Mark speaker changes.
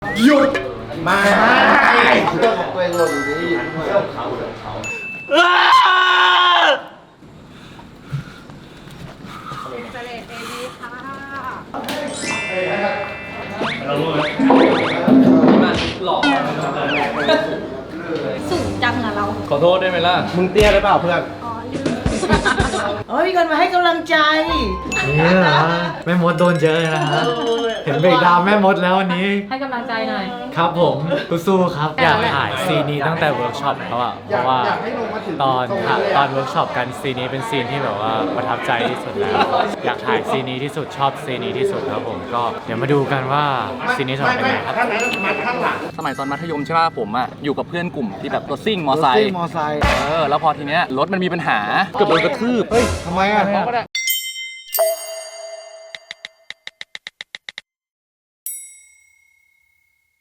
Speaker 1: หยุดมา
Speaker 2: เรื่องของตัวเองหล่นอยู่ดีเรื่องเขา
Speaker 3: เสลดเอดีค่ะ
Speaker 4: หลอก
Speaker 3: สูงจังอะเรา
Speaker 4: ขอโทษได้ไหมล่ะ
Speaker 1: มึงเตี้ยหรือเปล่าเพื่อน
Speaker 3: อ๋อลืม
Speaker 5: เฮ้ยมีคนมาให้กำลังใจ
Speaker 6: นี่เหรอแม่มดโดนเยอะนะฮะเห็นเบรกดาวน์แม่มดแล้ววันนี้
Speaker 3: ให้กำลังใจหน่อย
Speaker 6: ครับผมสู้ๆครับ อยากถ่ายซีนนี้ตั้งแต่เวิร์กช็อปแล้วอะเพราะว่าตอนเวิร์กช็อปกันซีนนี้เป็นซีนที่แบบว่าประทับใจที่สุดแล้ว อยากถ่ายซีนนี้ที่สุดชอบซีนนี้ที่สุดครับผมก็เดี๋ยวมาดูกันว่าซีนนี้จะเป็นยังไงครับ
Speaker 4: สมัยตอนมัธยมใช่ป่ะผมอ่ะอยู่กับเพื่อนกลุ่มที่แบบรถซิ่งมอไซค์
Speaker 1: มอไซค์
Speaker 4: แล้วพอทีเนี้ยรถมันมีปัญหาเกือบโดนกระทืบ
Speaker 1: เฮ้ยทำไมอ่ะ